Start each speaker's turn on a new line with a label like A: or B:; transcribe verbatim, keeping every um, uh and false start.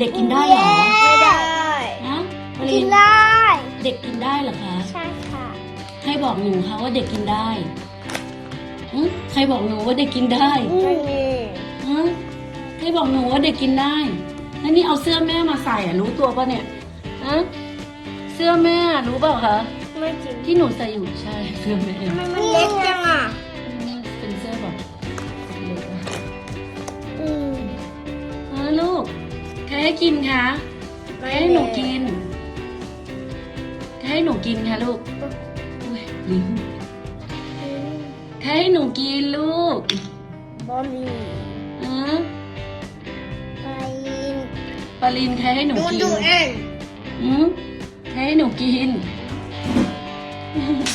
A: เด็กกินได้เหรอ
B: ไม่ได้
A: ฮะป
B: กิ
A: ริ
B: น
A: น
B: ได้
A: เด็กกินได้เหรอคะ
B: ใช่ค่ะ
A: ใครบอกหนูคะว่าเด็กกินได้หึใครบอกหนูว่าเด็กกินได้
B: ไม่มี
A: ฮะใครบอกหนูว่าเด็กกินได้แล้วนี่เอาเสื้อแม่มาใส่อะรู้ตัวปะเนี่ยฮะเสื้อแม่รู้เปล่าคะ
B: ไม่จริง
A: ที่หนูใส่อยู่ใช่เสื้อแม่
B: ทำไมมันเล็กจังอ่ะ
A: เป็นเสื้อแบบเล็กนะ
B: อืม
A: ฮะลูกใครให้กินคะใครให้หนูกินใครให้หนูกินคะลูกอุ๊ยลิ้นใครให้หนูกินลูก
B: บอลลี
A: ฮะ
B: ไป
A: ปาลินใครให้หนู
B: ดู
A: กิน
B: ดูเอง
A: อืมใครให้หนูกิน